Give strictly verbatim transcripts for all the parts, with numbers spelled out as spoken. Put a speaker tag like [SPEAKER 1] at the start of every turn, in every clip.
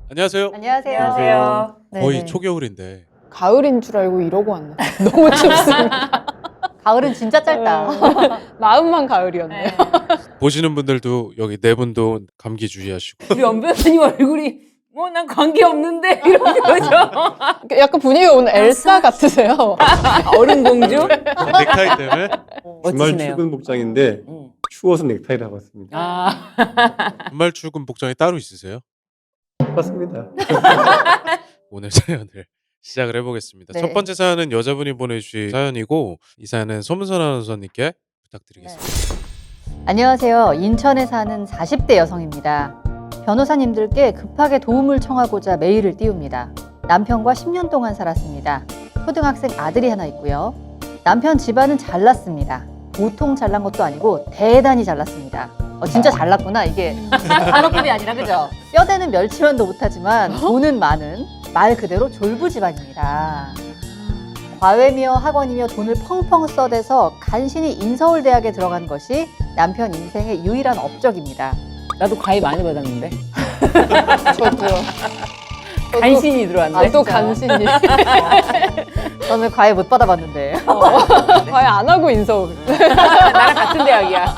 [SPEAKER 1] 안녕하세요.
[SPEAKER 2] 안녕하세요.
[SPEAKER 3] 안녕하세요.
[SPEAKER 1] 거의
[SPEAKER 2] 네네.
[SPEAKER 1] 초겨울인데
[SPEAKER 3] 가을인 줄 알고 이러고 왔나? 너무 춥습니다.
[SPEAKER 2] 가을은 진짜 짧다.
[SPEAKER 3] 마음만 가을이었네요.
[SPEAKER 1] 보시는 분들도 여기 네 분도 감기 주의하시고
[SPEAKER 4] 우리 엄 변호사님 얼굴이 뭐 난 관계 없는데 이런 거죠.
[SPEAKER 3] 약간 분위기가 오늘 엘사 같으세요.
[SPEAKER 4] 얼음공주?
[SPEAKER 1] 넥타이 때문에
[SPEAKER 5] 주말
[SPEAKER 4] 멋지시네요.
[SPEAKER 5] 출근 복장인데
[SPEAKER 4] 응.
[SPEAKER 5] 추워서 넥타이를 하고 왔습니다.
[SPEAKER 4] 아,
[SPEAKER 1] 주말 출근 복장이 따로 있으세요?
[SPEAKER 5] 맞습니다.
[SPEAKER 1] 오늘 사연을 시작을 해보겠습니다.
[SPEAKER 2] 네.
[SPEAKER 1] 첫 번째 사연은 여자분이 보내주신 사연이고 이 사연은 소문선 아나운서님께 부탁드리겠습니다.
[SPEAKER 2] 안녕하세요. 인천에 사는 사십 대 여성입니다. 변호사님들께 급하게 도움을 청하고자 메일을 띄웁니다. 남편과 십 년 동안 살았습니다. 초등학생 아들이 하나 있고요. 남편 집안은 잘났습니다. 보통 잘난 것도 아니고 대단히 잘났습니다. 어, 진짜 잘났구나 이게. 단어급이 아니라 그죠? 뼈대는 멸치만도 못하지만 돈은 많은 말 그대로 졸부 집안입니다. 과외며 학원이며 돈을 펑펑 써대서 간신히 인서울대학에 들어간 것이 남편 인생의 유일한 업적입니다.
[SPEAKER 4] 나도 과외 많이 받았는데.
[SPEAKER 3] 저도요.
[SPEAKER 4] 간신히 들어왔는데.
[SPEAKER 3] 아, 또
[SPEAKER 2] 진짜.
[SPEAKER 3] 간신히.
[SPEAKER 2] 저는 과외 못 받아봤는데.
[SPEAKER 3] 과외 안 하고 인서울.
[SPEAKER 4] 나랑 같은 대학이야.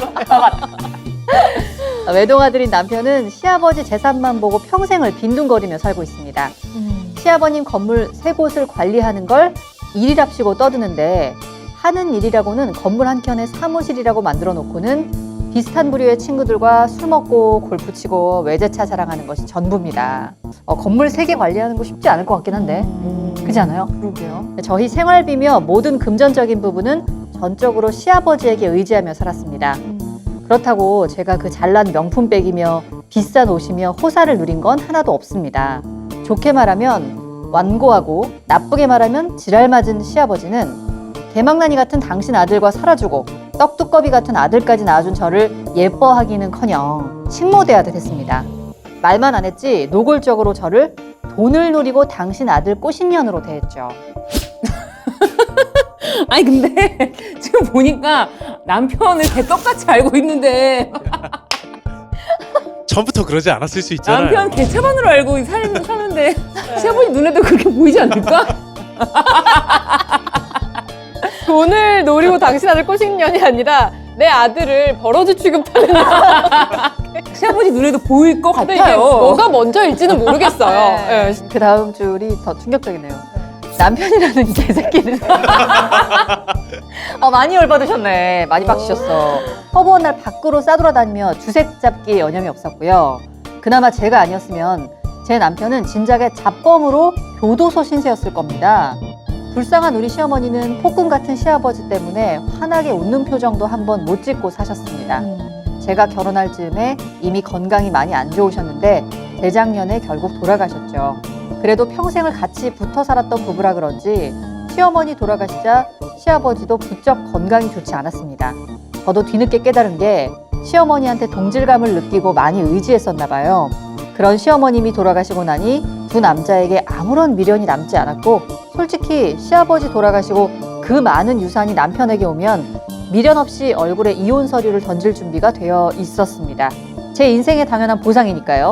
[SPEAKER 2] 외동아들인 남편은 시아버지 재산만 보고 평생을 빈둥거리며 살고 있습니다. 시아버님 건물 세 곳을 관리하는 걸 일이랍시고 떠드는데 하는 일이라고는 건물 한 켠에 사무실이라고 만들어 놓고는 비슷한 부류의 친구들과 술 먹고 골프 치고 외제차 자랑하는 것이 전부입니다. 어, 건물 세 개 관리하는 거 쉽지 않을 것 같긴 한데 그렇지 않아요?
[SPEAKER 3] 그러게요.
[SPEAKER 2] 저희 생활비며 모든 금전적인 부분은 전적으로 시아버지에게 의지하며 살았습니다. 그렇다고 제가 그 잘난 명품백이며 비싼 옷이며 호사를 누린 건 하나도 없습니다. 좋게 말하면 완고하고 나쁘게 말하면 지랄맞은 시아버지는 개망나니 같은 당신 아들과 살아주고 떡두꺼비 같은 아들까지 낳아준 저를 예뻐하기는커녕 식모대하듯 했습니다. 말만 안 했지 노골적으로 저를 돈을 노리고 당신 아들 꼬신년으로 대했죠.
[SPEAKER 4] 아니 근데 지금 보니까 남편을 개 똑같이 알고 있는데
[SPEAKER 1] 처음부터 그러지 않았을 수 있잖아요.
[SPEAKER 4] 남편 개차반으로 알고 살, 사는데 시아버지 눈에도 그렇게 보이지 않을까?
[SPEAKER 3] 돈을 노리고 당신 아들 꼬신 년이 아니라 내 아들을 버러지 취급하는.
[SPEAKER 4] 시아버지 눈에도 보일 것
[SPEAKER 3] 근데 이게
[SPEAKER 4] 같아요.
[SPEAKER 3] 뭐가 먼저일지는 모르겠어요.
[SPEAKER 2] 네.
[SPEAKER 3] 네.
[SPEAKER 2] 그 다음 줄이 더 충격적이네요. 남편이라는 개새끼는 어, 많이 열받으셨네. 많이 빡치셨어. 허브한 날 밖으로 싸돌아다니며 주색 잡기에 여념이 없었고요. 그나마 제가 아니었으면 제 남편은 진작에 잡범으로 교도소 신세였을 겁니다. 불쌍한 우리 시어머니는 폭군 같은 시아버지 때문에 환하게 웃는 표정도 한번 못 짓고 사셨습니다. 제가 결혼할 즈음에 이미 건강이 많이 안 좋으셨는데 재작년에 결국 돌아가셨죠. 그래도 평생을 같이 붙어 살았던 부부라 그런지 시어머니 돌아가시자 시아버지도 부쩍 건강이 좋지 않았습니다. 저도 뒤늦게 깨달은 게 시어머니한테 동질감을 느끼고 많이 의지했었나 봐요. 그런 시어머님이 돌아가시고 나니 두 남자에게 아무런 미련이 남지 않았고 솔직히 시아버지 돌아가시고 그 많은 유산이 남편에게 오면 미련 없이 얼굴에 이혼 서류를 던질 준비가 되어 있었습니다. 제 인생의 당연한 보상이니까요.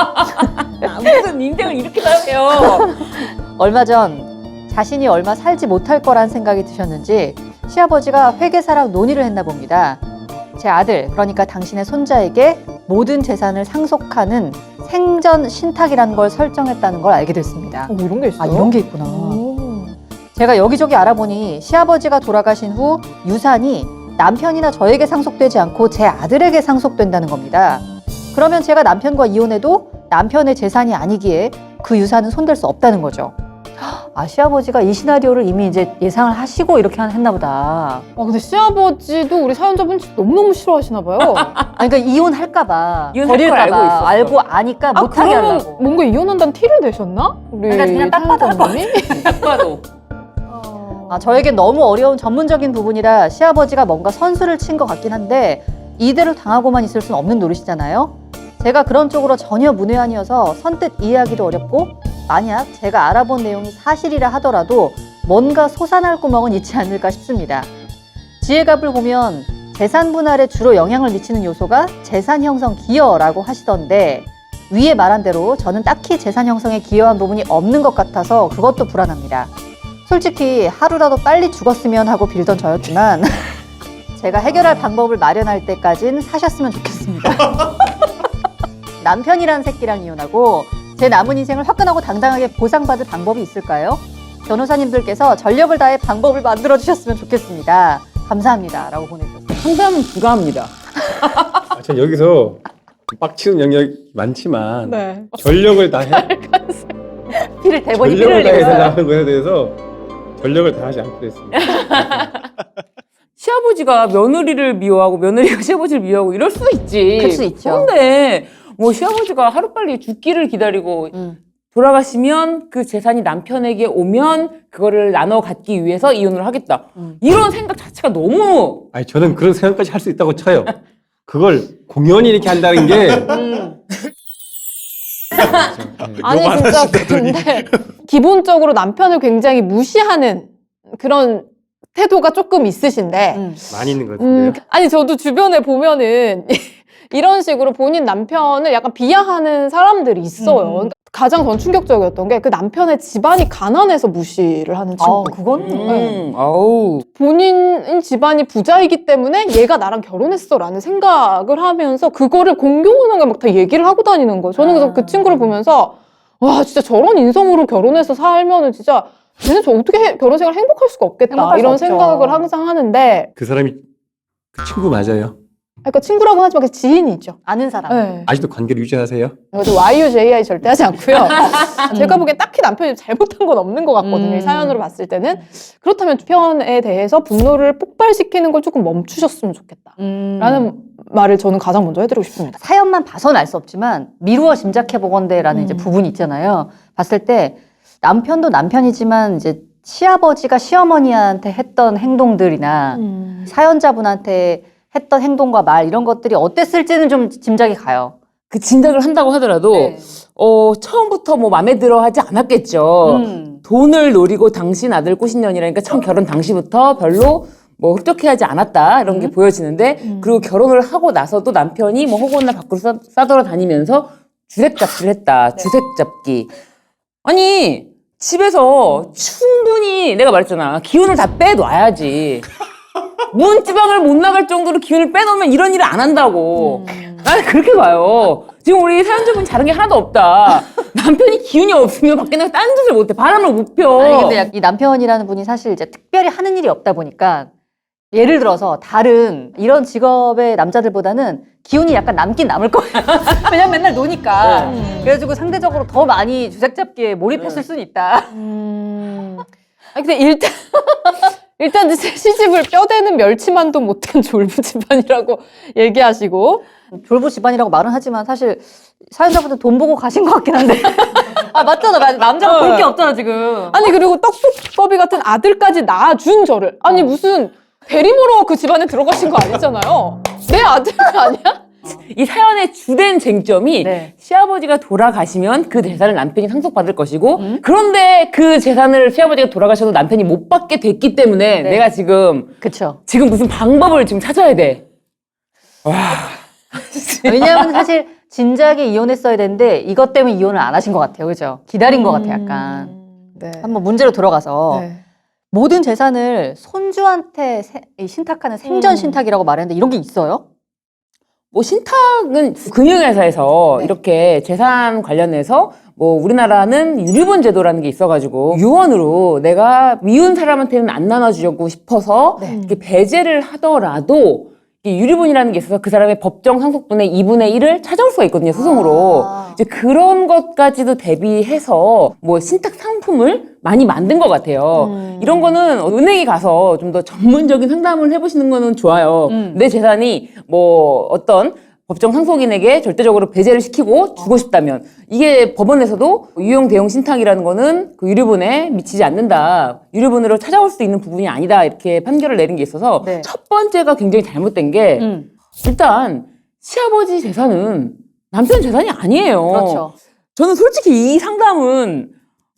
[SPEAKER 4] 아, 무슨 인생을 이렇게 살아요.
[SPEAKER 2] 얼마 전 자신이 얼마 살지 못할 거란 생각이 드셨는지 시아버지가 회계사랑 논의를 했나 봅니다. 제 아들, 그러니까 당신의 손자에게 모든 재산을 상속하는 생전 신탁이라는 걸 설정했다는 걸 알게 됐습니다.
[SPEAKER 3] 어, 이런 게 있어요?
[SPEAKER 2] 아, 이런 게 있구나.
[SPEAKER 3] 오.
[SPEAKER 2] 제가 여기저기 알아보니 시아버지가 돌아가신 후 유산이 남편이나 저에게 상속되지 않고 제 아들에게 상속된다는 겁니다. 그러면 제가 남편과 이혼해도 남편의 재산이 아니기에 그 유산은 손댈 수 없다는 거죠. 아, 시아버지가 이 시나리오를 이미 이제 예상을 하시고 이렇게 했나 보다.
[SPEAKER 3] 아, 근데 시아버지도 우리 사연자분 너무너무 싫어하시나 봐요.
[SPEAKER 2] 아, 그러니까 이혼할까봐,
[SPEAKER 4] 이혼할 걸
[SPEAKER 2] 버릴까봐,
[SPEAKER 4] 알고 있었어.
[SPEAKER 2] 알고 아니까
[SPEAKER 3] 아,
[SPEAKER 2] 못하게
[SPEAKER 3] 그러면
[SPEAKER 2] 하려고.
[SPEAKER 3] 뭔가 이혼한다는 티를 내셨나? 우리
[SPEAKER 2] 그러니까 그냥 딱 봐도
[SPEAKER 3] 사연자분이?
[SPEAKER 4] 딱 봐도.
[SPEAKER 2] 아, 저에겐 너무 어려운 전문적인 부분이라 시아버지가 뭔가 선수를 친 것 같긴 한데 이대로 당하고만 있을 수는 없는 노릇이잖아요. 제가 그런 쪽으로 전혀 문외한이어서 선뜻 이해하기도 어렵고 만약 제가 알아본 내용이 사실이라 하더라도 뭔가 솟아날 구멍은 있지 않을까 싶습니다. 지혜갑을 보면 재산 분할에 주로 영향을 미치는 요소가 재산 형성 기여라고 하시던데 위에 말한 대로 저는 딱히 재산 형성에 기여한 부분이 없는 것 같아서 그것도 불안합니다. 솔직히 하루라도 빨리 죽었으면 하고 빌던 저였지만 제가 해결할 방법을 마련할 때까진 사셨으면 좋겠습니다. 남편이란 새끼랑 이혼하고 제 남은 인생을 화끈하고 당당하게 보상받을 방법이 있을까요? 변호사님들께서 전력을 다해 방법을 만들어 주셨으면 좋겠습니다. 감사합니다. 라고 보내주셨어요.
[SPEAKER 4] 상담은 불가합니다.
[SPEAKER 5] 아, 전 여기서 빡치는 영역이 많지만
[SPEAKER 3] 네.
[SPEAKER 5] 전력을 다해
[SPEAKER 2] 피를 대본이 피를
[SPEAKER 5] 전력을
[SPEAKER 2] 흘리고
[SPEAKER 5] 다해야
[SPEAKER 2] 있어요.
[SPEAKER 5] 된다는 거에 대해서 전력을 다하지 않기로 했습니다.
[SPEAKER 4] 시아버지가 며느리를 미워하고 며느리가 시아버지를 미워하고 이럴 수 있지.
[SPEAKER 2] 그럴 수 있죠.
[SPEAKER 4] 그런데 뭐 시아버지가 하루빨리 죽기를 기다리고
[SPEAKER 2] 음.
[SPEAKER 4] 돌아가시면 그 재산이 남편에게 오면 그거를 나눠 갖기 위해서 이혼을 하겠다.
[SPEAKER 2] 음.
[SPEAKER 4] 이런 생각 자체가 너무
[SPEAKER 5] 아니 저는 그런 생각까지 할 수 있다고 쳐요. 그걸 공연히 이렇게 한다는 게
[SPEAKER 2] 음.
[SPEAKER 3] 아니 진짜 근데 기본적으로 남편을 굉장히 무시하는 그런 태도가 조금 있으신데
[SPEAKER 2] 음.
[SPEAKER 5] 많이 있는 것
[SPEAKER 3] 음,
[SPEAKER 5] 같은데요.
[SPEAKER 3] 아니 저도 주변에 보면은 이런 식으로 본인 남편을 약간 비하하는 사람들이 있어요.
[SPEAKER 2] 음.
[SPEAKER 3] 그러니까 가장 전 충격적이었던 게 그 남편의 집안이 가난해서 무시를 하는 친구.
[SPEAKER 2] 아, 그건
[SPEAKER 4] 음, 아우.
[SPEAKER 3] 본인 집안이 부자이기 때문에 얘가 나랑 결혼했어라는 생각을 하면서 그거를 공공연하게 막 다 얘기를 하고 다니는 거예요. 저는 그래서
[SPEAKER 2] 아.
[SPEAKER 3] 그 친구를 보면서 와 진짜 저런 인성으로 결혼해서 살면은 진짜 쟤는 저 어떻게 해- 결혼 생활 행복할 수가 없겠다
[SPEAKER 2] 행복할 수
[SPEAKER 3] 이런
[SPEAKER 2] 없죠.
[SPEAKER 3] 생각을 항상 하는데
[SPEAKER 5] 그 사람이 그 친구 맞아요.
[SPEAKER 3] 그러니까 친구라고 하지만 그 지인이죠.
[SPEAKER 2] 아는 사람.
[SPEAKER 3] 네.
[SPEAKER 5] 아직도 관계를 유지하세요?
[SPEAKER 3] 그래도 와이유제이아이 절대 하지 않고요. 제가 보기엔 딱히 남편이 잘못한 건 없는 것 같거든요.
[SPEAKER 2] 음.
[SPEAKER 3] 이 사연으로 봤을 때는. 그렇다면 편에 대해서 분노를 폭발시키는 걸 조금 멈추셨으면 좋겠다.
[SPEAKER 2] 음.
[SPEAKER 3] 라는 말을 저는 가장 먼저 해드리고 싶습니다.
[SPEAKER 2] 사연만 봐서는 알 수 없지만 미루어 짐작해 보건대라는
[SPEAKER 3] 음.
[SPEAKER 2] 이제 부분이 있잖아요. 봤을 때 남편도 남편이지만 이제 시아버지가 시어머니한테 했던 행동들이나
[SPEAKER 3] 음.
[SPEAKER 2] 사연자분한테 했던 행동과 말 이런 것들이 어땠을지는 좀 짐작이 가요.
[SPEAKER 4] 그 진작을 한다고 하더라도
[SPEAKER 2] 네.
[SPEAKER 4] 어, 처음부터 뭐 마음에 들어 하지 않았겠죠.
[SPEAKER 2] 음.
[SPEAKER 4] 돈을 노리고 당신 아들 꼬신년이라니까 처음 결혼 당시부터 별로 뭐 흡족해하지 않았다 이런 게
[SPEAKER 2] 음.
[SPEAKER 4] 보여지는데
[SPEAKER 3] 음.
[SPEAKER 4] 그리고 결혼을 하고 나서도 남편이 뭐 허구나 밖으로 싸, 싸돌아다니면서 주색잡기를 했다. 주색잡기. 아니 집에서 충분히 내가 말했잖아. 기운을 다 빼놔야지. 문지방을 못 나갈 정도로 기운을 빼놓으면 이런 일을 안 한다고. 나는 그렇게 봐요. 지금 우리 사연자분 다른 게 하나도 없다. 남편이 기운이 없으면 밖에 나가 딴 짓을 못해. 바람을 못 펴.
[SPEAKER 2] 아니 근데 약- 이 남편이라는 분이 사실 이제 특별히 하는 일이 없다 보니까 예를 들어서 다른 이런 직업의 남자들보다는 기운이 약간 남긴 남을 거예요. 왜냐면 맨날 노니까.
[SPEAKER 3] 네.
[SPEAKER 2] 그래가지고 상대적으로 더 많이 주색잡기에 몰입했을 수는 있다.
[SPEAKER 3] 음. 아니, 근데 일단, 일단 시집을 뼈대는 멸치만도 못한 졸부 집안이라고 얘기하시고.
[SPEAKER 2] 졸부 집안이라고 말은 하지만 사실 사연자분들 돈 보고 가신 것 같긴 한데. 아 맞잖아, 맞아. 남자가 볼 게 없잖아 지금.
[SPEAKER 3] 아니, 그리고 떡국법이 같은 아들까지 낳아준 저를. 아니, 무슨 대리모로 그 집안에 들어가신 거 아니잖아요. 내 아들 아니야?
[SPEAKER 4] 이 사연의 주된 쟁점이
[SPEAKER 2] 네.
[SPEAKER 4] 시아버지가 돌아가시면 그 재산을 남편이 상속받을 것이고
[SPEAKER 2] 음?
[SPEAKER 4] 그런데 그 재산을 시아버지가 돌아가셔도 남편이 못 받게 됐기 때문에
[SPEAKER 2] 네.
[SPEAKER 4] 내가 지금
[SPEAKER 2] 그쵸.
[SPEAKER 4] 지금 무슨 방법을 지금 찾아야 돼.
[SPEAKER 2] 왜냐하면 사실 진작에 이혼했어야 되는데 이것 때문에 이혼을 안 하신 것 같아요, 그죠? 기다린 것 같아요, 약간.
[SPEAKER 3] 네.
[SPEAKER 2] 한번 문제로 들어가서
[SPEAKER 3] 네.
[SPEAKER 2] 모든 재산을 손주한테 세- 이 신탁하는 생전
[SPEAKER 3] 음.
[SPEAKER 2] 신탁이라고 말했는데 이런 게 있어요?
[SPEAKER 4] 뭐 신탁은 금융회사에서
[SPEAKER 2] 네.
[SPEAKER 4] 이렇게 재산 관련해서 뭐 우리나라는 유류분 제도라는 게 있어가지고 유언으로 내가 미운 사람한테는 안 나눠주려고 싶어서
[SPEAKER 2] 네.
[SPEAKER 4] 이렇게 배제를 하더라도 이 유류분이라는 게 있어서 그 사람의 법정 상속분의 이분의 일을 찾아올 수가 있거든요, 소송으로.
[SPEAKER 2] 아.
[SPEAKER 4] 이제 그런 것까지도 대비해서 뭐 신탁 상품을 많이 만든 것 같아요.
[SPEAKER 3] 음.
[SPEAKER 4] 이런 거는 은행에 가서 좀 더 전문적인 상담을 해보시는 거는 좋아요.
[SPEAKER 2] 음.
[SPEAKER 4] 내 재산이 뭐 어떤 법정 상속인에게 절대적으로 배제를 시키고 주고 싶다면 이게 법원에서도 유용 대용 신탁이라는 거는 그 유류분에 미치지 않는다. 유류분으로 찾아올 수 있는 부분이 아니다. 이렇게 판결을 내린 게 있어서
[SPEAKER 2] 네.
[SPEAKER 4] 첫 번째가 굉장히 잘못된 게
[SPEAKER 2] 음,
[SPEAKER 4] 일단 시아버지 재산은 남편 재산이 아니에요.
[SPEAKER 2] 그렇죠.
[SPEAKER 4] 저는 솔직히 이 상담은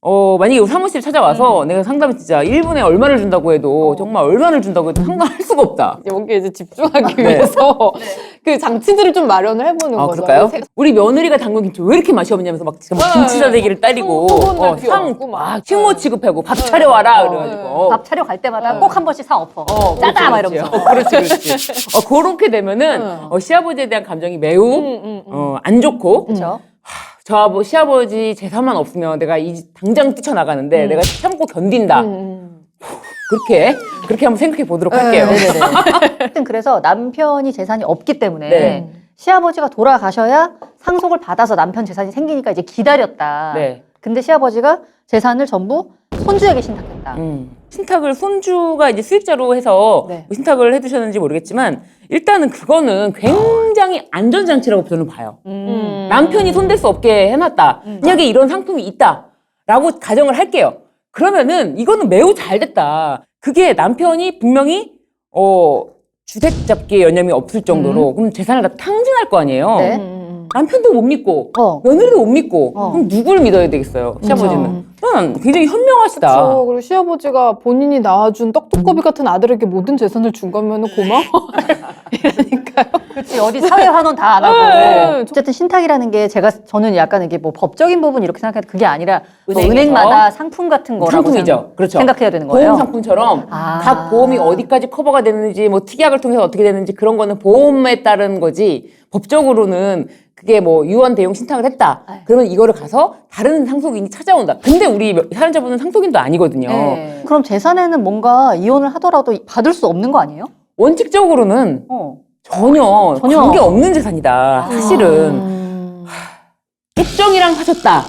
[SPEAKER 4] 어, 만약에 우리 사무실 찾아와서 내가 상담을 진짜 일 분에 얼마를 준다고 해도 정말 얼마를 준다고 해도 상담할 수가 없다.
[SPEAKER 3] 여기에 이제 집중하기
[SPEAKER 4] 네.
[SPEAKER 3] 위해서 그 장치들을 좀 마련을 해보는
[SPEAKER 4] 아,
[SPEAKER 3] 거죠.
[SPEAKER 4] 그럴까요? 우리 며느리가 담근 김치 왜 이렇게 맛이 없냐면서 막 지금 막 김치 싸대기를 때리고
[SPEAKER 3] 상-
[SPEAKER 4] 어,
[SPEAKER 3] 상
[SPEAKER 4] 상
[SPEAKER 3] 막.
[SPEAKER 4] 막 식모 취급하고 밥 차려와라
[SPEAKER 3] 어,
[SPEAKER 4] 그래가지고
[SPEAKER 2] 밥 차려 갈 때마다
[SPEAKER 3] 네.
[SPEAKER 2] 꼭 한 번씩 사 엎어.
[SPEAKER 4] 어,
[SPEAKER 2] 짜다 막
[SPEAKER 4] 그렇지,
[SPEAKER 2] 이러면서.
[SPEAKER 4] 그렇지. 어, 그렇지, 그렇지. 어, 그렇게 되면은
[SPEAKER 3] 응.
[SPEAKER 4] 어, 시아버지에 대한 감정이 매우
[SPEAKER 3] 음, 음, 음.
[SPEAKER 4] 어, 안 좋고
[SPEAKER 2] 그렇죠.
[SPEAKER 4] 저 아버, 시아버지 재산만 없으면 내가 이 당장 뛰쳐나가는데
[SPEAKER 3] 음.
[SPEAKER 4] 내가 참고 견딘다.
[SPEAKER 3] 음, 음.
[SPEAKER 4] 그렇게 그렇게 한번 생각해 보도록 할게요.
[SPEAKER 2] 네네네. 하여튼 그래서 남편이 재산이 없기 때문에
[SPEAKER 4] 네.
[SPEAKER 2] 시아버지가 돌아가셔야 상속을 받아서 남편 재산이 생기니까 이제 기다렸다.
[SPEAKER 4] 네.
[SPEAKER 2] 근데 시아버지가 재산을 전부 손주에게 신탁했다.
[SPEAKER 4] 음. 신탁을 손주가 이제 수익자로 해서
[SPEAKER 3] 네.
[SPEAKER 4] 신탁을 해두셨는지 모르겠지만 일단은 그거는 굉장히 안전장치라고 저는 봐요.
[SPEAKER 3] 음.
[SPEAKER 4] 남편이 손댈 수 없게 해놨다. 만약에 이런 상품이 있다라고 가정을 할게요. 그러면은 이거는 매우 잘 됐다. 그게 남편이 분명히 어 주택 잡기에 여념이 없을 정도로 그럼 재산을 다 탕진할 거 아니에요.
[SPEAKER 2] 네.
[SPEAKER 3] 음, 음.
[SPEAKER 4] 남편도 못 믿고
[SPEAKER 2] 어.
[SPEAKER 4] 며느리도 못 믿고
[SPEAKER 2] 어.
[SPEAKER 4] 그럼 누구를 믿어야 되겠어요? 시아버지는. 저는 굉장히 현명하시다.
[SPEAKER 3] 그렇죠. 그리고 시아버지가 본인이 낳아준 떡두꺼비 같은 아들에게 모든 재산을 준 거면 고마워. 이러니까요.
[SPEAKER 2] 그렇지. 어디 사회 환원 다 안 하고.
[SPEAKER 3] 네.
[SPEAKER 2] 어쨌든 신탁이라는 게 제가 저는 약간 이게 뭐 법적인 부분 이렇게 생각해도 그게 아니라 뭐
[SPEAKER 4] 은행에서
[SPEAKER 2] 은행마다 상품 같은 거라고
[SPEAKER 4] 상품이죠.
[SPEAKER 2] 생각-
[SPEAKER 4] 그렇죠.
[SPEAKER 2] 생각해야 되는 거예요.
[SPEAKER 4] 보험 상품처럼
[SPEAKER 2] 아.
[SPEAKER 4] 각 보험이 어디까지 커버가 되는지 뭐 특약을 통해서 어떻게 되는지 그런 거는 보험에 따른 거지 법적으로는 그게 뭐 유언 대용 신탁을 했다.
[SPEAKER 2] 아유.
[SPEAKER 4] 그러면 이거를 가서 다른 상속인이 찾아온다. 근데 우리 사연자분은 상속인도 아니거든요.
[SPEAKER 2] 네. 그럼 재산에는 뭔가 이혼을 하더라도 받을 수 없는 거 아니에요?
[SPEAKER 4] 원칙적으로는
[SPEAKER 2] 어.
[SPEAKER 4] 전혀,
[SPEAKER 2] 전혀.
[SPEAKER 4] 관계 없는 재산이다. 사실은
[SPEAKER 3] 음.
[SPEAKER 4] 혜정이랑 하셨다.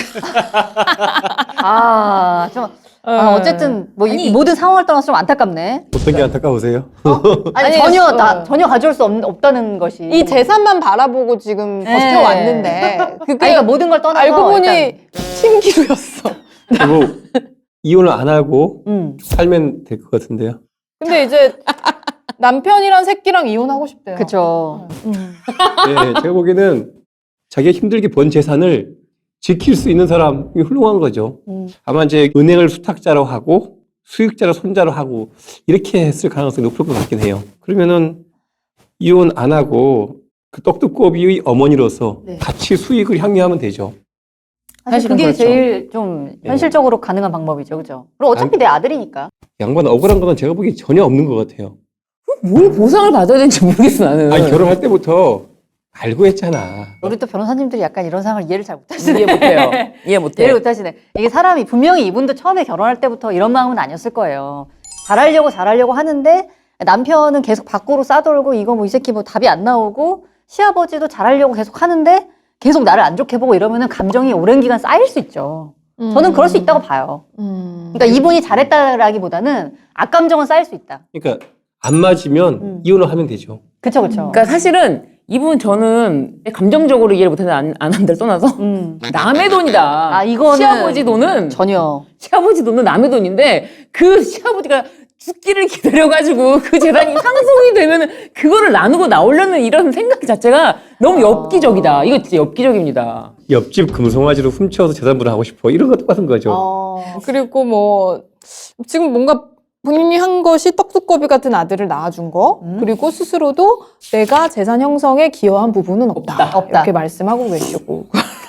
[SPEAKER 2] 아, 좀 아, 어쨌든 뭐 이
[SPEAKER 4] 아니.
[SPEAKER 2] 모든 상황을 떠나서 좀 안타깝네.
[SPEAKER 5] 어떤 게 안타까우세요?
[SPEAKER 2] 아니,
[SPEAKER 3] 아니,
[SPEAKER 2] 전혀
[SPEAKER 3] 어.
[SPEAKER 2] 다 전혀 가져올 수 없, 없다는 것이.
[SPEAKER 3] 이 재산만 바라보고 지금
[SPEAKER 2] 네.
[SPEAKER 3] 버텨왔는데 그게
[SPEAKER 2] 아니, 그러니까 모든 걸 떠나서
[SPEAKER 3] 알고 보니
[SPEAKER 2] 일단,
[SPEAKER 3] 신기루였어.
[SPEAKER 5] 그리고 이혼을 안 하고
[SPEAKER 2] 음,
[SPEAKER 5] 살면 될 것 같은데요.
[SPEAKER 3] 근데 이제 남편이랑 새끼랑 이혼하고 싶대요.
[SPEAKER 2] 그렇죠.
[SPEAKER 3] 음.
[SPEAKER 5] 네, 제가 보기에는 자기가 힘들게 번 재산을 지킬 수 있는 사람이 훌륭한 거죠.
[SPEAKER 2] 음.
[SPEAKER 5] 아마 이제 은행을 수탁자로 하고 수익자로 손자로 하고 이렇게 했을 가능성이 높을 것 같긴 해요. 그러면은 이혼 안 하고 그 떡두꺼비의 어머니로서
[SPEAKER 2] 네.
[SPEAKER 5] 같이 수익을 향유하면 되죠.
[SPEAKER 2] 사실
[SPEAKER 4] 사실은
[SPEAKER 2] 그게
[SPEAKER 4] 그렇죠.
[SPEAKER 2] 제일 좀
[SPEAKER 5] 네.
[SPEAKER 2] 현실적으로 가능한 방법이죠, 그죠? 그리고 어차피 내 아들이니까.
[SPEAKER 5] 양반 억울한 건 제가 보기엔 전혀 없는 것 같아요.
[SPEAKER 4] 뭘 보상을 받아야 되는지 모르겠어 나는.
[SPEAKER 5] 아니 결혼할 때부터 알고 했잖아.
[SPEAKER 2] 우리 또 변호사님들이 약간 이런 상황을 이해를 잘 못하시네.
[SPEAKER 4] 이해 못해요. 이해 못해.
[SPEAKER 2] 이해를 못하시네. 이게 사람이 분명히 이분도 처음에 결혼할 때부터 이런 마음은 아니었을 거예요. 잘하려고 잘하려고 하는데 남편은 계속 밖으로 싸돌고 이거 뭐 이 새끼 뭐 답이 안 나오고 시아버지도 잘하려고 계속 하는데 계속 나를 안 좋게 보고 이러면은 감정이 오랜 기간 쌓일 수 있죠. 저는 그럴 수 있다고 봐요.
[SPEAKER 3] 음.
[SPEAKER 2] 그러니까 이분이 잘했다라기보다는 악감정은 쌓일 수 있다.
[SPEAKER 5] 그러니까 안 맞으면
[SPEAKER 2] 음.
[SPEAKER 5] 이혼을 하면 되죠.
[SPEAKER 2] 그쵸, 그쵸.
[SPEAKER 4] 그러니까 사실은 이분 저는 감정적으로 이해를 못하는 안, 안 한들 떠나서
[SPEAKER 2] 음.
[SPEAKER 4] 남의 돈이다.
[SPEAKER 2] 아, 이거는
[SPEAKER 4] 시아버지 돈은
[SPEAKER 2] 전혀.
[SPEAKER 4] 시아버지 돈은 남의 돈인데 그 시아버지가 죽기를 기다려가지고 그 재산이 상속이 되면은 그거를 나누고 나오려는 이런 생각 자체가 너무 엽기적이다. 이거 진짜 엽기적입니다.
[SPEAKER 5] 옆집 금송아지로 훔쳐서 재산분할 하고 싶어. 이런 거 똑같은 거죠.
[SPEAKER 2] 어.
[SPEAKER 3] 그리고 뭐 지금 뭔가 본인이 한 것이 떡두꺼비 같은 아들을 낳아준 거
[SPEAKER 2] 음.
[SPEAKER 3] 그리고 스스로도 내가 재산 형성에 기여한 부분은 없다,
[SPEAKER 2] 없다. 없다.
[SPEAKER 3] 이렇게 말씀하고 계시고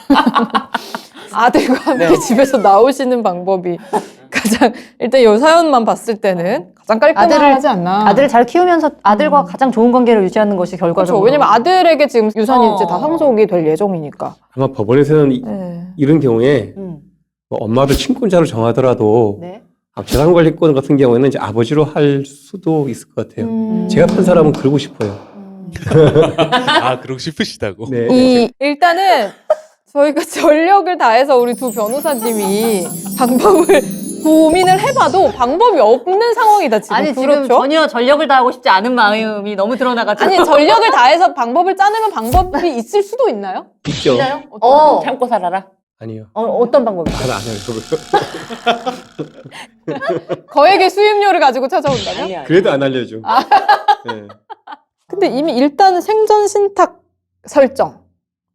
[SPEAKER 3] 아들과 함께
[SPEAKER 4] 네.
[SPEAKER 3] 집에서 나오시는 방법이 가장 일단 이 사연만 봤을 때는 가장 깔끔하지 않나.
[SPEAKER 2] 아들을 잘 키우면서 아들과 가장 좋은 관계를 유지하는 것이
[SPEAKER 3] 그렇죠.
[SPEAKER 2] 결과적으로.
[SPEAKER 3] 왜냐면 아들에게 지금 유산이
[SPEAKER 2] 어.
[SPEAKER 3] 이제 다 상속이 될 예정이니까.
[SPEAKER 5] 아마 법원에서는 이,
[SPEAKER 3] 네.
[SPEAKER 5] 이런 경우에
[SPEAKER 2] 음.
[SPEAKER 5] 뭐 엄마도 친권자로 정하더라도
[SPEAKER 2] 네.
[SPEAKER 5] 아, 재산관리권 같은 경우에는 이제 아버지로 할 수도 있을 것 같아요.
[SPEAKER 3] 음.
[SPEAKER 5] 제가 판 사람은 그러고 싶어요.
[SPEAKER 1] 아, 그러고 싶으시다고?
[SPEAKER 5] 네.
[SPEAKER 3] 이 일단은 저희가 전력을 다해서 우리 두 변호사님이 방법을 고민을 해봐도 방법이 없는 상황이다 지금.
[SPEAKER 2] 아니 지금
[SPEAKER 3] 그렇죠?
[SPEAKER 2] 전혀 전력을 다하고 싶지 않은 마음이 너무 드러나가지고.
[SPEAKER 3] 아니 전력을 다해서 방법을 짜내면 방법이 있을 수도 있나요?
[SPEAKER 5] 있죠.
[SPEAKER 2] 있나요? 어.
[SPEAKER 4] 참고 살아라.
[SPEAKER 5] 아니요.
[SPEAKER 2] 어, 어떤 방법이요?
[SPEAKER 5] 잘 안 해요. 그거.
[SPEAKER 3] 거액의 수입료를 가지고 찾아온다면?
[SPEAKER 4] 아니야.
[SPEAKER 5] 그래도 안 알려줘.
[SPEAKER 3] 아.
[SPEAKER 5] 네.
[SPEAKER 3] 근데 이미 일단은 생전 신탁 설정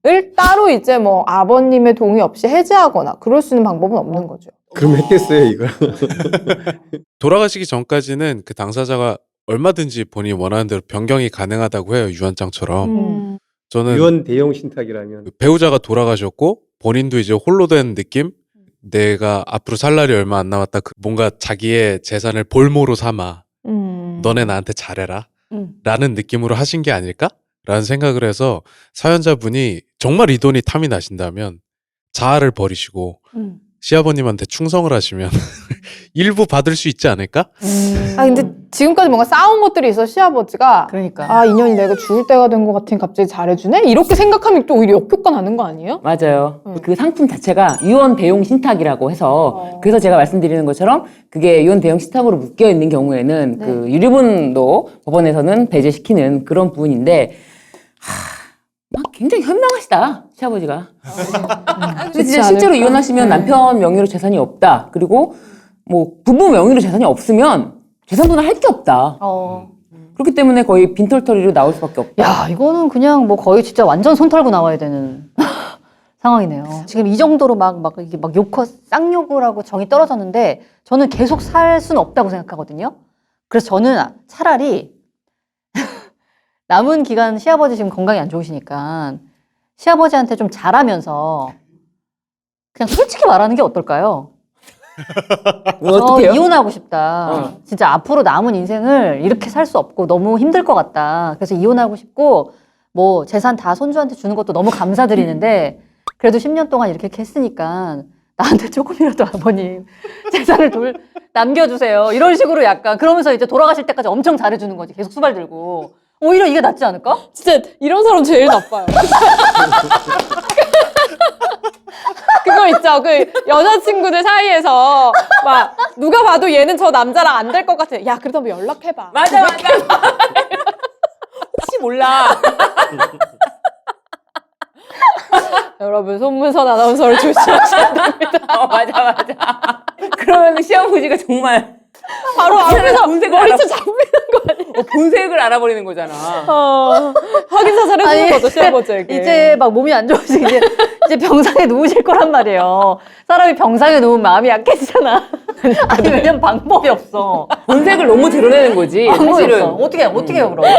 [SPEAKER 3] 을 따로 이제 뭐 아버님의 동의 없이 해지하거나 그럴 수 있는 방법은 없는 거죠.
[SPEAKER 5] 그럼 했겠어요 이걸.
[SPEAKER 1] 돌아가시기 전까지는 그 당사자가 얼마든지 본인이 원하는 대로 변경이 가능하다고 해요. 유언장처럼.
[SPEAKER 3] 음.
[SPEAKER 1] 저는
[SPEAKER 5] 유언 대용 신탁이라면
[SPEAKER 1] 그 배우자가 돌아가셨고 본인도 이제 홀로 된 느낌? 내가 앞으로 살 날이 얼마 안 남았다. 그 뭔가 자기의 재산을 볼모로 삼아.
[SPEAKER 3] 음.
[SPEAKER 1] 너네 나한테 잘해라.
[SPEAKER 2] 음.
[SPEAKER 1] 라는 느낌으로 하신 게 아닐까? 라는 생각을 해서 사연자분이 정말 이 돈이 탐이 나신다면 자아를 버리시고
[SPEAKER 2] 음.
[SPEAKER 1] 시아버님한테 충성을 하시면 일부 받을 수 있지 않을까?
[SPEAKER 2] 음.
[SPEAKER 3] 아 근데 지금까지 뭔가 쌓아온 것들이 있어 시아버지가
[SPEAKER 2] 그러니까.
[SPEAKER 3] 아 인연이 내가 죽을 때가 된 것 같으니 갑자기 잘해주네? 이렇게 생각하면 또 오히려 역효과 나는 거 아니에요?
[SPEAKER 4] 맞아요.
[SPEAKER 3] 음.
[SPEAKER 4] 그 상품 자체가 유언 대용 신탁이라고 해서
[SPEAKER 3] 어.
[SPEAKER 4] 그래서 제가 말씀드리는 것처럼 그게 유언 대용 신탁으로 묶여 있는 경우에는
[SPEAKER 2] 네.
[SPEAKER 4] 그 유류분도 법원에서는 배제시키는 그런 부분인데 하, 막 굉장히 현명하시다 시아버지가. 근데 진짜 실제로
[SPEAKER 3] 않을까?
[SPEAKER 4] 이혼하시면
[SPEAKER 3] 네.
[SPEAKER 4] 남편 명의로 재산이 없다. 그리고 뭐 부부 명의로 재산이 없으면 재산분할 할 게 없다.
[SPEAKER 2] 어.
[SPEAKER 4] 그렇기 때문에 거의 빈털터리로 나올 수밖에 없다.
[SPEAKER 2] 야, 이거는 그냥 뭐 거의 진짜 완전 손 털고 나와야 되는 상황이네요. 지금 이 정도로 막, 막, 이게 막 욕하, 쌍욕을 하고 정이 떨어졌는데 저는 계속 살 수는 없다고 생각하거든요. 그래서 저는 차라리 남은 기간 시아버지 지금 건강이 안 좋으시니까 시아버지한테 좀 잘하면서 그냥 솔직히 말하는 게 어떨까요?
[SPEAKER 4] 뭐
[SPEAKER 2] 저
[SPEAKER 4] 어떡해요?
[SPEAKER 2] 이혼하고 싶다.
[SPEAKER 4] 어.
[SPEAKER 2] 진짜 앞으로 남은 인생을 이렇게 살 수 없고 너무 힘들 것 같다. 그래서 이혼하고 싶고 뭐 재산 다 손주한테 주는 것도 너무 감사드리는데 그래도 십 년 동안 이렇게 했으니까 나한테 조금이라도 아버님 재산을 돌, 남겨주세요. 이런 식으로 약간 그러면서 이제 돌아가실 때까지 엄청 잘해주는 거지. 계속 수발 들고. 오히려 이게 낫지 않을까?
[SPEAKER 3] 진짜 이런 사람 제일 나빠요. 그거 있죠. 그 여자친구들 사이에서 막 누가 봐도 얘는 저 남자랑 안 될 것 같아. 야 그래도 한번 연락해봐.
[SPEAKER 4] 맞아 맞아. 혹시 몰라.
[SPEAKER 3] 여러분 손문선 아나운서를 조심하셔야 됩니다.
[SPEAKER 4] 어, 맞아 맞아. 그러면 시아버지가 정말
[SPEAKER 3] 바로 앞에서
[SPEAKER 4] 본색을
[SPEAKER 3] 머리채
[SPEAKER 4] 알아-
[SPEAKER 3] 잡히는 거 아니에요?
[SPEAKER 4] 어, 본색을 알아버리는 거잖아.
[SPEAKER 3] 어, 확인 사살 해주는
[SPEAKER 2] 아니,
[SPEAKER 3] 거죠 시아버지에게.
[SPEAKER 2] 이제 막 몸이 안 좋으시고 이제, 이제 병상에 누우실 거란 말이에요. 사람이 병상에 누우면 마음이 약해지잖아. 아니 왜냐면 방법이 없어.
[SPEAKER 4] 본색을 너무 드러내는 거지.
[SPEAKER 2] 방법이
[SPEAKER 4] 사실은.
[SPEAKER 2] 없어. 어떻게 어떻게 해요 그럼?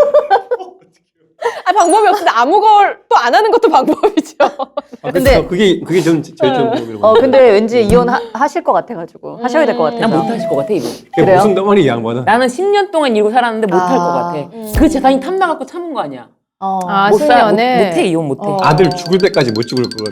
[SPEAKER 3] 아, 방법이 없는데 아무 걸 또 안 하는 것도 방법이죠.
[SPEAKER 5] 아,
[SPEAKER 2] 근데-
[SPEAKER 5] 근데 그게 그게 좀 제일 좀 궁금해요.
[SPEAKER 2] 어 근데 왠지 이혼하실 것 같아가지고 하셔야 될 것 같아요.
[SPEAKER 4] 난 못하실 것 같아 이거.
[SPEAKER 5] 그게
[SPEAKER 2] 그래요?
[SPEAKER 5] 무슨 덩어리 이 양반은.
[SPEAKER 4] 나는 십 년 동안 이러고 살았는데 못할
[SPEAKER 2] 아.
[SPEAKER 4] 것 같아. 그 재산이 탐나갖고 참은 거 아니야.
[SPEAKER 2] 어.
[SPEAKER 3] 아,
[SPEAKER 4] 못 사- 못-
[SPEAKER 3] 십 년에?
[SPEAKER 4] 못해 이혼 못해.
[SPEAKER 3] 어.
[SPEAKER 5] 아들 죽을 때까지 못 죽을 것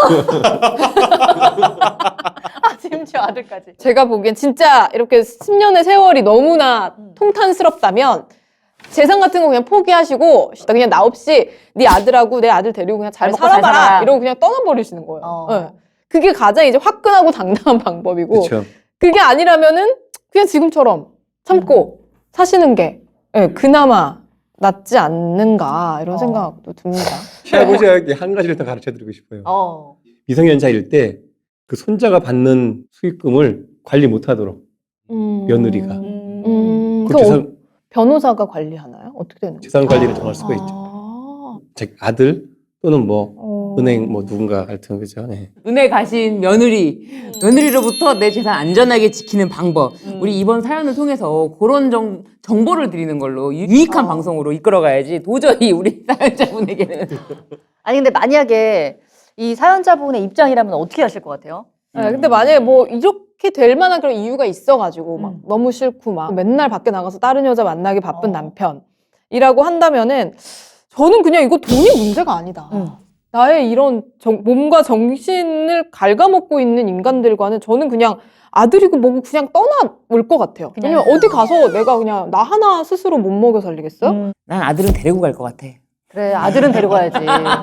[SPEAKER 5] 같아.
[SPEAKER 2] 아, 심지어 아들까지.
[SPEAKER 3] 제가 보기엔 진짜 이렇게 십 년의 세월이 너무나 통탄스럽다면 재산 같은 거 그냥 포기하시고 그냥 나 없이 네 아들하고 내 아들 데리고 그냥 잘
[SPEAKER 2] 잘 먹고 잘
[SPEAKER 3] 살아봐라
[SPEAKER 2] 살아.
[SPEAKER 3] 이러고 그냥 떠나버리시는 거예요.
[SPEAKER 2] 어.
[SPEAKER 3] 네. 그게 가장 이제 화끈하고 당당한 방법이고
[SPEAKER 5] 그렇죠.
[SPEAKER 3] 그게 아니라면은 그냥 지금처럼 참고 사시는 게 예, 그나마 낫지 않는가 이런
[SPEAKER 2] 어.
[SPEAKER 3] 생각도 듭니다.
[SPEAKER 5] 시아버지에게 한 가지를 더 가르쳐 드리고 싶어요.
[SPEAKER 2] 어.
[SPEAKER 5] 미성년자일 때 그 손자가 받는 수익금을 관리 못 하도록
[SPEAKER 3] 음.
[SPEAKER 5] 며느리가.
[SPEAKER 2] 음.
[SPEAKER 3] 음,
[SPEAKER 5] 그
[SPEAKER 3] 그 어,
[SPEAKER 5] 재산,
[SPEAKER 3] 변호사가 관리하나요? 어떻게 되는 거예요?
[SPEAKER 5] 재산 관리를 정할 수가 있죠.
[SPEAKER 3] 아.
[SPEAKER 5] 즉 아들 또는 뭐
[SPEAKER 3] 어.
[SPEAKER 5] 은행 뭐 누군가 하여튼 그죠. 네.
[SPEAKER 4] 은혜 가신 며느리, 며느리로부터 내 재산 안전하게 지키는 방법.
[SPEAKER 2] 음.
[SPEAKER 4] 우리 이번 사연을 통해서 그런 정, 정보를 드리는 걸로 유- 유익한
[SPEAKER 2] 어.
[SPEAKER 4] 방송으로 이끌어가야지 도저히 우리 사연자분에게는.
[SPEAKER 2] 아니 근데 만약에 이 사연자분의 입장이라면 어떻게 하실 것 같아요?
[SPEAKER 3] 네, 근데 만약에 뭐 이렇게 될 만한 그런 이유가 있어가지고 막
[SPEAKER 2] 음.
[SPEAKER 3] 너무 싫고 막 맨날 밖에 나가서 다른 여자 만나기 바쁜
[SPEAKER 2] 어.
[SPEAKER 3] 남편이라고 한다면은 저는 그냥 이거 돈이 문제가 아니다.
[SPEAKER 2] 음.
[SPEAKER 3] 나의 이런 정- 몸과 정신을 갉아먹고 있는 인간들과는 저는 그냥 아들이고 뭐고 그냥 떠나올 것 같아요.
[SPEAKER 2] 그냥-
[SPEAKER 3] 왜냐면 어디 가서 내가 그냥 나 하나 스스로 못 먹여 살리겠어요?
[SPEAKER 2] 음.
[SPEAKER 4] 난 아들은 데리고 갈 것 같아.
[SPEAKER 2] 그래 아들은 데려가야지.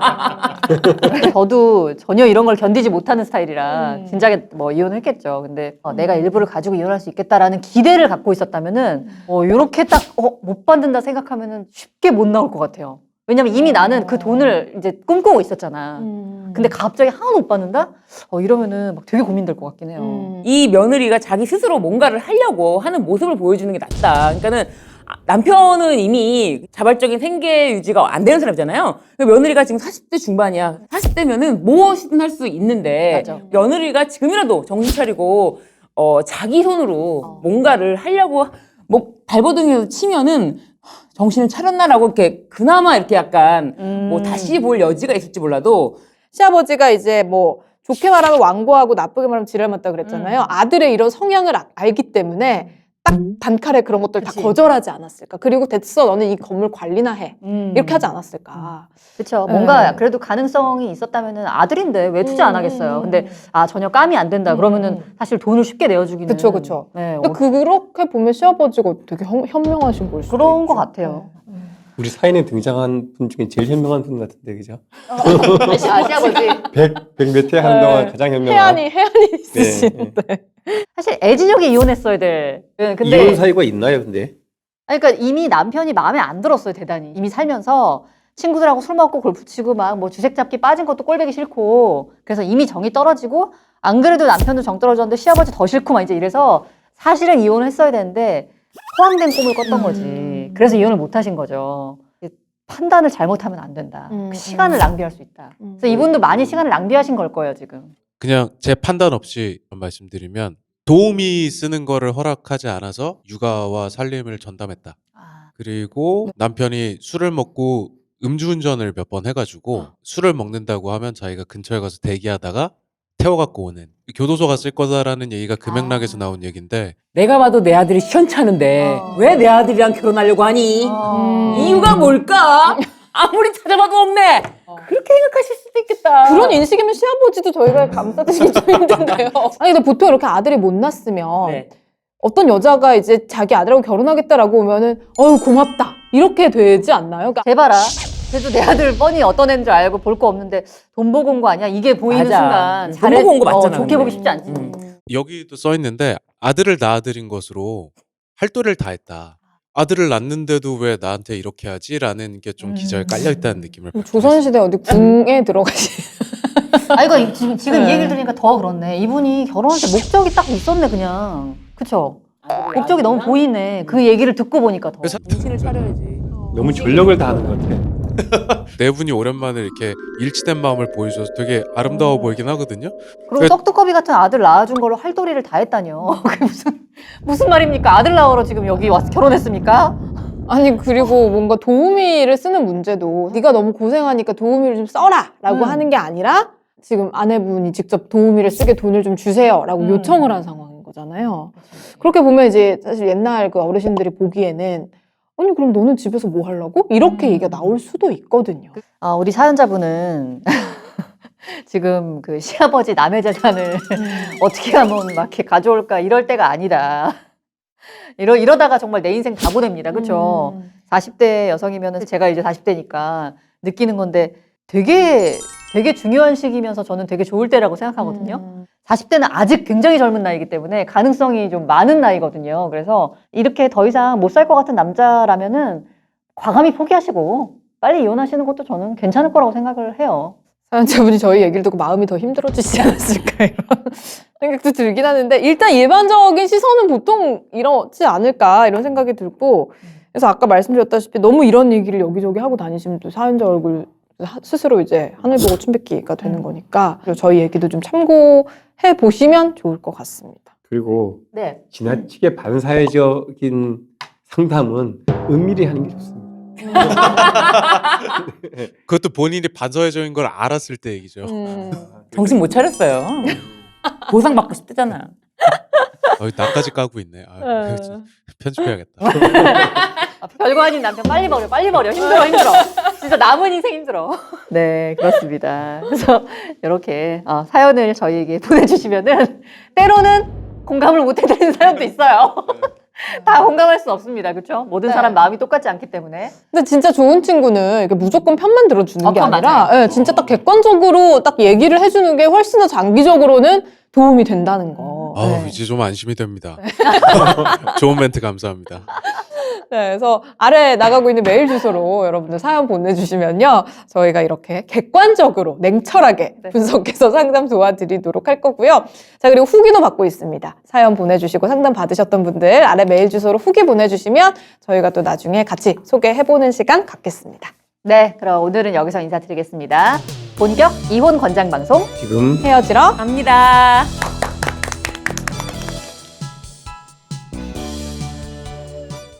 [SPEAKER 2] 저도 전혀 이런 걸 견디지 못하는 스타일이라
[SPEAKER 3] 음.
[SPEAKER 2] 진작에 뭐 이혼했겠죠. 근데 어,
[SPEAKER 3] 음.
[SPEAKER 2] 내가 일부를 가지고 이혼할 수 있겠다라는 기대를 갖고 있었다면은 어, 이렇게 딱 어, 못 받는다 생각하면은 쉽게 못 나올 것 같아요. 왜냐면 이미 나는 그 돈을 이제 꿈꾸고 있었잖아.
[SPEAKER 3] 음.
[SPEAKER 2] 근데 갑자기 하나도 못 받는다? 어, 이러면은 막 되게 고민될 것 같긴 해요.
[SPEAKER 3] 음.
[SPEAKER 4] 이 며느리가 자기 스스로 뭔가를 하려고 하는 모습을 보여주는 게 낫다. 그러니까는 아, 남편은 이미 자발적인 생계 유지가 안 되는 사람이잖아요. 며느리가 지금 사십 대 중반이야. 사십 대면은 무엇이든 할 수 있는데
[SPEAKER 2] 맞아.
[SPEAKER 4] 며느리가 지금이라도 정신 차리고 어, 자기 손으로
[SPEAKER 2] 어.
[SPEAKER 4] 뭔가를 하려고 뭐 발버둥이라도 치면은 정신을 차렸나라고 이렇게 그나마 이렇게 약간
[SPEAKER 2] 음.
[SPEAKER 4] 뭐 다시 볼 여지가 있을지 몰라도
[SPEAKER 3] 시아버지가 이제 뭐 좋게 말하면 완고하고 나쁘게 말하면 지랄 맞다 그랬잖아요.
[SPEAKER 2] 음.
[SPEAKER 3] 아들의 이런 성향을 아- 알기 때문에 딱 단칼에 그런 것들 다
[SPEAKER 2] 그치.
[SPEAKER 3] 거절하지 않았을까. 그리고 됐어, 너는 이 건물 관리나 해.
[SPEAKER 2] 음.
[SPEAKER 3] 이렇게 하지 않았을까.
[SPEAKER 2] 그렇죠.
[SPEAKER 3] 네.
[SPEAKER 2] 뭔가 그래도 가능성이 있었다면은 아들인데 왜 투자 안
[SPEAKER 3] 음,
[SPEAKER 2] 하겠어요.
[SPEAKER 3] 음,
[SPEAKER 2] 근데
[SPEAKER 3] 음.
[SPEAKER 2] 아 전혀 감이 안 된다.
[SPEAKER 3] 음,
[SPEAKER 2] 그러면은
[SPEAKER 3] 음.
[SPEAKER 2] 사실 돈을 쉽게 내어주기는.
[SPEAKER 3] 그쵸, 그쵸.
[SPEAKER 2] 네,
[SPEAKER 3] 근데
[SPEAKER 2] 어,
[SPEAKER 3] 그렇게 보면 시아버지가 되게 현, 현명하신 걸 수도
[SPEAKER 2] 그런
[SPEAKER 3] 있죠.
[SPEAKER 2] 것 같아요.
[SPEAKER 5] 우리 사연에 등장한 분 중에 제일 현명한 분 같은데, 그죠?
[SPEAKER 2] 아, 시아버지.
[SPEAKER 5] 백, 백몇회 한 동안 가장 현명한.
[SPEAKER 3] 해안이, 해안이 있으시는데.
[SPEAKER 2] 사실 애진혁이 이혼했어야 돼. 네, 근데
[SPEAKER 5] 이혼 사유가 있나요, 근데?
[SPEAKER 2] 아니, 그러니까 이미 남편이 마음에 안 들었어요, 대단히. 이미 살면서 친구들하고 술 먹고 골프 치고 막 뭐 주색 잡기 빠진 것도 꼴보기 싫고 그래서 이미 정이 떨어지고 안 그래도 남편도 정 떨어졌는데 시아버지 더 싫고 막 이제 이래서 사실은 이혼을 했어야 되는데 포함된 꿈을 꿨던
[SPEAKER 3] 음.
[SPEAKER 2] 거지. 그래서 이혼을 못 하신 거죠. 판단을 잘못하면 안 된다.
[SPEAKER 3] 음,
[SPEAKER 2] 그 시간을
[SPEAKER 3] 음.
[SPEAKER 2] 낭비할 수 있다.
[SPEAKER 3] 음.
[SPEAKER 2] 그래서 이분도 많이 시간을 낭비하신 걸 거예요, 지금.
[SPEAKER 1] 그냥 제 판단 없이 말씀드리면 도우미 쓰는 거를 허락하지 않아서 육아와 살림을 전담했다.
[SPEAKER 2] 아,
[SPEAKER 1] 그리고 남편이 술을 먹고 음주운전을 몇 번 해가지고 술을 먹는다고 하면 자기가 근처에 가서 대기하다가 태워갖고 오는 교도소 갔을 거다라는 얘기가 그 맥락에서
[SPEAKER 2] 아.
[SPEAKER 1] 나온 얘기인데
[SPEAKER 4] 내가 봐도 내 아들이 시원찮은데
[SPEAKER 2] 어.
[SPEAKER 4] 왜 내 아들이랑 결혼하려고 하니?
[SPEAKER 2] 어.
[SPEAKER 4] 이유가 뭘까? 아무리 찾아봐도 없네. 그렇게 생각하실 수도 있겠다.
[SPEAKER 3] 그런 인식이면 시아버지도 저희가 감싸드리기 좀 힘든데요. 아니, 근데 보통 이렇게 아들이 못 낳았으면
[SPEAKER 4] 네.
[SPEAKER 3] 어떤 여자가 이제 자기 아들하고 결혼하겠다라고 오면은 어유 고맙다 이렇게 되지 않나요? 그러니까
[SPEAKER 2] 대봐라. 그래도 내 아들 뻔히 어떤 애인 줄 알고 볼 거 없는데 돈 보고 온 거 아니야? 이게 보이는
[SPEAKER 4] 맞아.
[SPEAKER 2] 순간
[SPEAKER 4] 돈 보고 온거 맞잖아,
[SPEAKER 2] 어, 좋게
[SPEAKER 4] 근데.
[SPEAKER 2] 보기 쉽지 않지.
[SPEAKER 4] 음.
[SPEAKER 1] 여기도 써 있는데 아들을 낳아들인 것으로 할도를 다 했다. 아들을 낳는데도 왜 나한테 이렇게 하지라는 게 좀 기저에 깔려 있다는 느낌을 받긴 했어요.
[SPEAKER 3] 조선시대 어디 궁에 들어가시.
[SPEAKER 2] 아 이거 지금 지금 이
[SPEAKER 3] 네.
[SPEAKER 2] 얘기를 들으니까 더 그렇네. 이분이 결혼할 때 목적이 딱 있었네 그냥. 그쵸? 목적이 너무 보이네. 그 얘기를 듣고 보니까 더.
[SPEAKER 1] 그래서
[SPEAKER 4] 정신을 차려야지.
[SPEAKER 5] 너무 전력을 다하는 것 같아.
[SPEAKER 1] 네 분이 오랜만에 이렇게 일치된 마음을 보여줘서 되게 아름다워 보이긴 하거든요.
[SPEAKER 2] 그리고
[SPEAKER 1] 그-
[SPEAKER 2] 떡두꺼비 같은 아들 낳아준 걸로 할도리를 다 했다뇨. 그게 무슨 무슨 말입니까? 아들 낳으러 지금 여기 와서 결혼했습니까?
[SPEAKER 3] 아니 그리고 뭔가 도우미를 쓰는 문제도 네가 너무 고생하니까 도우미를 좀 써라라고
[SPEAKER 2] 음.
[SPEAKER 3] 하는 게 아니라 지금 아내분이 직접 도우미를 쓰게 돈을 좀 주세요라고
[SPEAKER 2] 음.
[SPEAKER 3] 요청을 한 상황인 거잖아요. 그렇게 보면 이제 사실 옛날 그 어르신들이 보기에는 아니 그럼 너는 집에서 뭐 하려고? 이렇게
[SPEAKER 2] 음.
[SPEAKER 3] 얘기가 나올 수도 있거든요.
[SPEAKER 2] 아, 우리 사연자분은 지금 그 시아버지 남의 재산을 어떻게 하면 막 이렇게 가져올까 이럴 때가 아니다. 이러, 이러다가 정말 내 인생 다 보냅니다. 그렇죠?
[SPEAKER 3] 음.
[SPEAKER 2] 사십 대 여성이면 제가 이제 사십 대니까 느끼는 건데 되게 되게 중요한 시기면서 저는 되게 좋을 때라고 생각하거든요.
[SPEAKER 3] 음.
[SPEAKER 2] 사십 대는 아직 굉장히 젊은 나이기 때문에 가능성이 좀 많은 나이거든요. 그래서 이렇게 더 이상 못 살 것 같은 남자라면은 과감히 포기하시고 빨리 이혼하시는 것도 저는 괜찮을 거라고 생각을 해요.
[SPEAKER 3] 사연자분이 저희 얘기를 듣고 마음이 더 힘들어지지 않았을까 이런 생각도 들긴 하는데 일단 일반적인 시선은 보통 이렇지 않을까 이런 생각이 들고 그래서 아까 말씀드렸다시피 너무 이런 얘기를 여기저기 하고 다니시면 또 사연자 얼굴 스스로 이제 하늘 보고 춤뱉기가 되는 거니까 그리고 저희 얘기도 좀 참고해 보시면 좋을 것 같습니다.
[SPEAKER 5] 그리고
[SPEAKER 2] 네.
[SPEAKER 5] 지나치게 반사회적인 상담은 은밀히 하는 게 좋습니다.
[SPEAKER 1] 그것도 본인이 반사회적인 걸 알았을 때 얘기죠.
[SPEAKER 3] 음.
[SPEAKER 4] 정신 못 차렸어요. 보상 받고 싶대잖아.
[SPEAKER 1] 어, 나까지 까고 있네. 아, 이거 진짜 편집해야겠다.
[SPEAKER 2] 아, 별거 아닌 남편 빨리 버려, 빨리 버려. 힘들어, 힘들어. 진짜 남은 인생 힘들어. 네, 그렇습니다. 그래서 이렇게 어, 사연을 저희에게 보내주시면은 때로는 공감을 못 해드리는 사연도 있어요. 다 공감할 수 없습니다. 그렇죠? 모든
[SPEAKER 3] 네.
[SPEAKER 2] 사람 마음이 똑같지 않기 때문에.
[SPEAKER 3] 근데 진짜 좋은 친구는 이렇게 무조건 편만 들어주는
[SPEAKER 2] 어,
[SPEAKER 3] 게
[SPEAKER 2] 그건
[SPEAKER 3] 아니라
[SPEAKER 2] 맞아요.
[SPEAKER 3] 예, 진짜 딱 객관적으로 딱 얘기를 해주는 게 훨씬 더 장기적으로는 도움이 된다는 거.
[SPEAKER 1] 아우,
[SPEAKER 3] 네.
[SPEAKER 1] 이제 좀 안심이 됩니다. 좋은 멘트 감사합니다.
[SPEAKER 3] 네, 그래서 아래 나가고 있는 메일 주소로 여러분들 사연 보내주시면요. 저희가 이렇게 객관적으로 냉철하게
[SPEAKER 2] 네.
[SPEAKER 3] 분석해서 상담 도와드리도록 할 거고요. 자, 그리고 후기도 받고 있습니다. 사연 보내주시고 상담 받으셨던 분들 아래 메일 주소로 후기 보내주시면 저희가 또 나중에 같이 소개해보는 시간 갖겠습니다.
[SPEAKER 2] 네, 그럼 오늘은 여기서 인사드리겠습니다. 본격 이혼 권장 방송
[SPEAKER 5] 지금
[SPEAKER 3] 헤어지러
[SPEAKER 4] 갑니다.